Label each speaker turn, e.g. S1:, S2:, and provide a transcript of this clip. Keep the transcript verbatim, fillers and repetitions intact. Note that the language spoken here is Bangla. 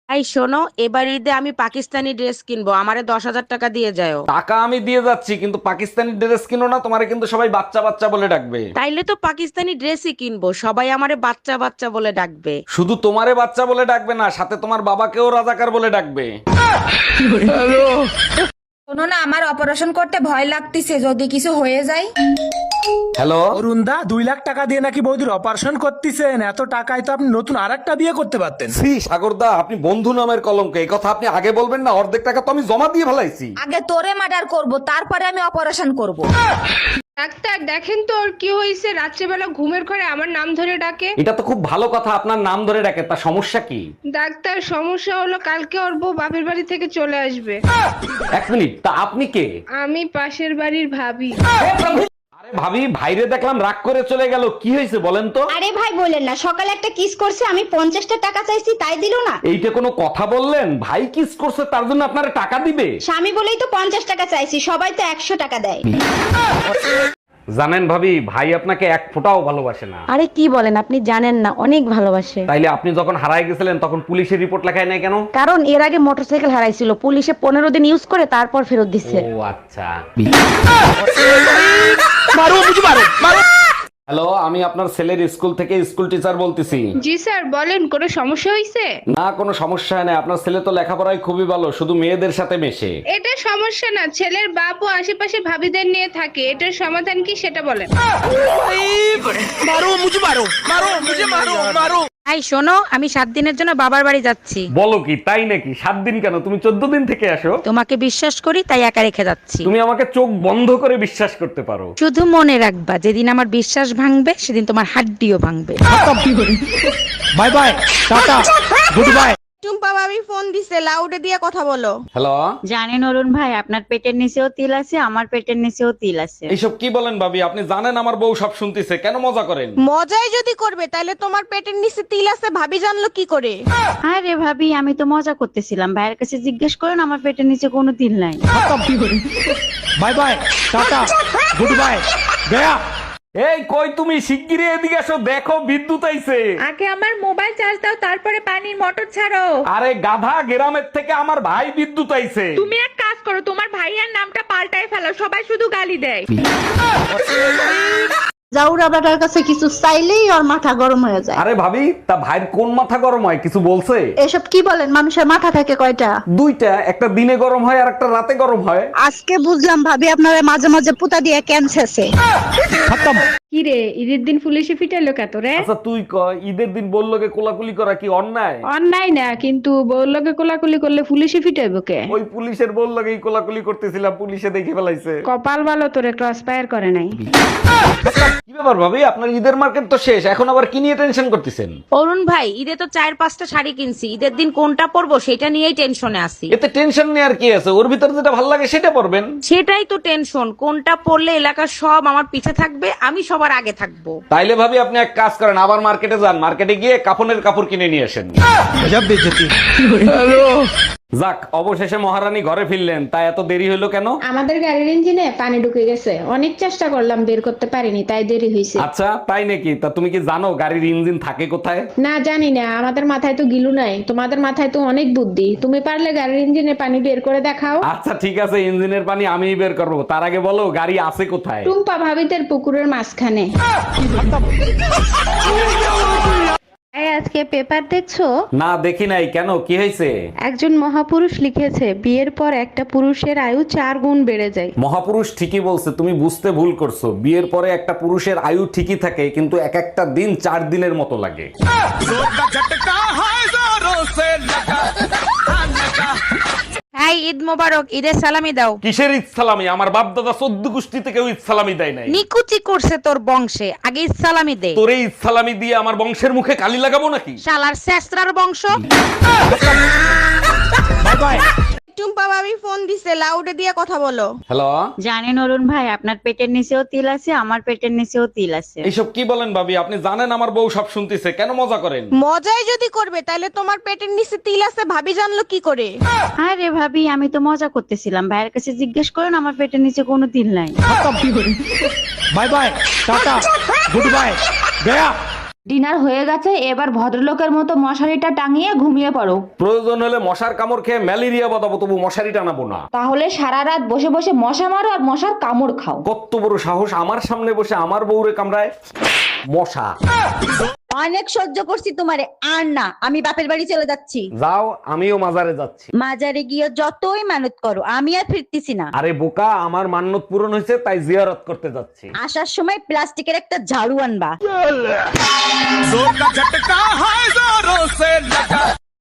S1: এই শোনো, এবার ঈদে আমি পাকিস্তানি ড্রেস কিনবো, আমারে দশ হাজার টাকা দিয়ে যাও।
S2: টাকা আমি দিয়ে যাচ্ছি, কিন্তু পাকিস্তানি ড্রেস কিনো না, তোমারে কিন্তু সবাই বাচ্চা বাচ্চা বলে ডাকবে।
S1: তাইলে তো পাকিস্তানি ড্রেসই কিনবো, সবাই আমারে বাচ্চা বাচ্চা বলে ডাকবে।
S2: শুধু তোমারে বাচ্চা বলে ডাকবে না, সাথে তোমার বাবাকেও রাজাকার বলে ডাকবে।
S3: শোনো না, আমার অপারেশন করতে ভয় লাগতেছে, যদি কিছু হয়ে যায়।
S2: হ্যালো,
S4: অরুণদা, দুই লাখ টাকা দিয়ে নাকি বৌদির অপারেশন করতেছেন? এত টাকায় তো আপনি নতুন আর একটা বিয়ে করতে পারতেন।
S2: শ্রী সাগরদা, আপনি বন্ধু নামের কলঙ্ক, এই কথা আপনি আগে বলবেন না? অর্ধেক টাকা তো আমি জমা দিয়ে ফেলাইছি।
S3: আগে তোরে মার্ডার করব, তারপরে আমি অপারেশন করব।
S5: ডাক্তার দেখেন তো ওর কি হয়েছে, রাত্রেবেলা ঘুমের ঘরে আমার নাম ধরে ডাকে।
S2: এটা তো খুব ভালো কথা, আপনার নাম ধরে ডাকে, তা সমস্যা কি?
S5: ডাক্তার সমস্যা হলো কালকে ওর বউ বাপের বাড়ি থেকে চলে আসবে।
S2: এক মিনিট, তা আপনি কে?
S5: আমি পাশের বাড়ির ভাবি।
S2: আরে ভাবি, ভাইরে দেখলাম রাগ করে চলে গেল, কি হয়েছে বলেন তো?
S6: আরে ভাই বলেন না, সকালে একটা কিস করছে, আমি পঞ্চাশটা টাকা চাইছি তাই দিল না।
S2: এইটা কোনো কথা বললেন? ভাই কিস করছে তার জন্য আপনারা টাকা দিবে?
S6: স্বামী বলেই তো পঞ্চাশ টাকা চাইছি, সবাই তো একশো টাকা দেয়।
S2: জানেন ভাবি, ভাই আপনাকে এক ফোঁটাও ভালোবাসে না।
S1: আরে কি বলেন, আপনি জানেন না, অনেক ভালোবাসে।
S2: তাইলে আপনি যখন হারায় গেছিলেন তখন পুলিশের রিপোর্ট লেখায় নাই কেন?
S1: কারণ এর আগে মোটরসাইকেল হারাইছিল, পুলিশে পনেরো দিন ইউজ করে তারপর ফেরত দিচ্ছে।
S2: ও আচ্ছা। হ্যালো, আমি আপনার ছেলের স্কুল থেকে স্কুল টিচার বলতেছি।
S5: জি স্যার বলেন, কোনো সমস্যা হয়েছে?
S2: না, কোনো সমস্যা নেই, আপনার ছেলে তো লেখাপড়ায় খুবই ভালো, শুধু মেয়েদের সাথে মেশে।
S5: এটা সমস্যা না, ছেলের বাপ ও আশেপাশে ভাবিদের নিয়ে থাকে, এটার সমাধান কি সেটা বলেন।
S1: এই শোনো, আমি সাত দিনের জন্য বাবার বাড়ি যাচ্ছি।
S2: বলো কি, তাই নাকি? সাত দিন কেন, তুমি চোদ্দ দিন থেকে আসো।
S1: তোমাকে বিশ্বাস করি তাই একা রেখে যাচ্ছি।
S2: তুমি আমাকে চোখ বন্ধ করে বিশ্বাস করতে পারো।
S1: শুধু মনে রাখবা, যেদিন আমার বিশ্বাস ভাঙবে সেদিন তোমার হাড্ডিও ভাঙবে।
S4: Bye bye, tata, good bye.
S7: Tumpa ভাবি ফোন দিছে, লাউডে দিয়ে কথা বলো।
S2: হ্যালো,
S8: জানেন অরুণ ভাই, আপনার পেটের নিচেও তিল আছে, আমার পেটের নিচেও তিল আছে।
S2: এইসব কি বলেন ভাবি? আপনি জানেন আমার বউ সব শুনতেছে, কেন মজা করেন?
S7: মজাই যদি করবে তাহলে তোমার পেটের নিচে তিল আছে ভাবি জানলো কি করে?
S8: আরে ভাবি, আমি তো মজা করতেছিলাম, ভাইয়ের কাছে জিজ্ঞেস করেন, আমার পেটের নিচে কোনো তিল নাই।
S4: Bye bye, tata, good bye, গয়া।
S2: এই কই তুমি, শিগগিরই এদিকে আসো, দেখো বিদ্যুৎ আইছে।
S3: আগে আমার মোবাইল চার্জ দাও, তারপরে পানির মোটর ছাড়ো।
S2: আরে গাধা, গ্রামের থেকে আমার ভাই বিদ্যুৎ আইছে।
S3: তুমি এক কাজ করো, তোমার ভাইয়ার নামটা পাল্টাই ফেলো, সবাই শুধু গালি দেয়।
S6: জাউরা বেটার কাছে কিছু চাইলেই ওর মাথা গরম হয়ে যায়।
S2: আরে ভাবি, তা ভাইয়ের কোন মাথা গরম হয়, কিছু বলছে?
S6: এসব কি বলেন, মানুষের মাথা থাকে কয়টা?
S2: দুইটা, একটা দিনে গরম হয় আর একটা রাতে গরম হয়।
S6: আজকে বুঝলাম ভাবি আপনারা মাঝে মাঝে পুতা দিয়ে ক্যান্সারছে।
S5: কি রে, ঈদের দিন পুলিশে ফিটাইলো কত রে?
S2: আচ্ছা তুই ক, ঈদের দিন বললোকে কোলাকুলি করা কি অন্যায়?
S5: অন্যায় না, কিন্তু বউর লগে কোলাকুলি করলে পুলিশে ফিটাইবো কে?
S2: ওই পুলিশের বললোকেই কোলাকুলি করতেছিলাম, পুলিশে দেখে ফেলাইছে।
S5: কপাল ভালো তোরে ক্রস ফায়ার করে নাই।
S2: কি ব্যাপার ভাবি, আপনার ঈদের মার্কেট তো শেষ, এখন আবার কি নিয়ে টেনশন করতেছেন?
S1: অরুণ ভাই, ঈদে তো চার পাঁচটা শাড়ি কিনছি, ঈদের দিন কোনটা পরবো সেটা নিয়েই টেনশনে আছি।
S2: এতে টেনশন নেওয়ার কি আছে? ওর ভিতর যেটা ভালো লাগে সেটা পরবেন।
S1: সেটাই তো টেনশন, কোনটা পরলে এলাকার সব আমার পিছে থাকবে, আমি সবার আগে থাকবো।
S2: তাইলে ভাবি আপনি এক কাজ করেন, আবার মার্কেটে যান, মার্কেটে গিয়ে কাপড়ের কাপড় কিনে নিয়ে আসেন। যাক, অবশেষে মহারানী ঘরে ফিরলেন, তা এত দেরি হলো কেন?
S5: আমাদের গাড়ির ইঞ্জিনে পানি ঢুকে গেছে, অনেক চেষ্টা করলাম বের করতে পারিনি, তাই দেরি হয়েছে।
S2: আচ্ছা তাই নাকি? তা তুমি কি জানো গাড়ির ইঞ্জিন থাকে কোথায়?
S5: না জানি না, আমাদের মাথায় তো গিলু নাই, তোমাদের মাথায় তো অনেক বুদ্ধি, তুমি পারলে গাড়ির ইঞ্জিনে পানি বের করে দেখাও।
S2: আচ্ছা ঠিক আছে, ইঞ্জিনের পানি আমিই বের করবো, তার আগে বলো গাড়ি আছে কোথায়?
S5: টুম্পা ভাবিদের পুকুরের মাঝখানে।
S9: এই আজকে পেপার দেখছো?
S2: না দেখি নাই, কেন কি হয়েছে?
S9: একজন মহাপুরুষ লিখেছে বিয়ের পর একটা পুরুষের আয়ু চার গুণ বেড়ে যায়।
S2: মহাপুরুষ ঠিকই বলছে, তুমি বুঝতে ভুল করছো। বিয়ের পরে একটা পুরুষের আয়ু ঠিকই থাকে, কিন্তু এক একটা দিন চার দিনের মতো লাগে।
S1: হ্যাঁ, ঈদ মোবারক, ঈদের সালামি দাও।
S2: কিসের ঈদ সালামি? আমার বাপ দাদা চোদ্দ গোষ্ঠীতে কেউ ঈদ সালামি দেয় নাই।
S1: নিকুচি করছে তোর বংশে, আগে ঈদ সালামি দে।
S2: তোরে ঈদ সালামি দিয়ে আমার বংশের মুখে কালি লাগাবো নাকি?
S1: শালার শেষরার বংশ।
S4: Bye bye.
S7: টুম্পা ভাবি ফোন দিছে, লাউডে দিয়ে কথা বলো।
S2: হ্যালো,
S8: জানেন অরুণ ভাই, আপনার পেটের নিচেও তিল আছে, আমার পেটের নিচেও তিল আছে।
S2: এইসব কি বলেন ভাবি? আপনি জানেন আমার বউ সব শুনতেছে, কেন মজা করেন?
S7: মজাই যদি করবে তাহলে তোমার পেটের নিচে তিল আছে ভাবি জানলো কি করে?
S8: আরে ভাবি, আমি তো মজা করতেছিলাম, ভাইয়ের কাছে জিজ্ঞেস করেন, আমার পেটের নিচে কোনো তিল নাই।
S4: Bye bye, tata, good bye, গয়া।
S3: ডিনার হয়ে গেছে, এবার ভদ্রলোকের মতো মশারিটা টাঙিয়ে ঘুমিয়ে পড়ো।
S2: প্রয়োজন হলে মশার কামড় খেয়ে ম্যালেরিয়া বাঁধাবো, তবু মশারি টানাবো না।
S3: তাহলে সারা রাত বসে বসে মশা মারো আর মশার কামড় খাও।
S2: কত বড় সাহস আমার সামনে বসে আমার বউরে কামড়ায় মশা।
S8: অনেক সহ্য করছি তোমারে, আর না, আমি বাপের বাড়ি চলে যাচ্ছি।
S2: যাও, আমিও মাজারে যাচ্ছি।
S8: মাজারে গিয়ে যতই মানত করো, আমি আর ফিরতেছি না।
S2: আরে বোকা, আমার মান্যত পূরণ হয়েছে তাই জিয়ারত করতে যাচ্ছি।
S8: আসার সময় প্লাস্টিকের একটা ঝাড়ু আনবা।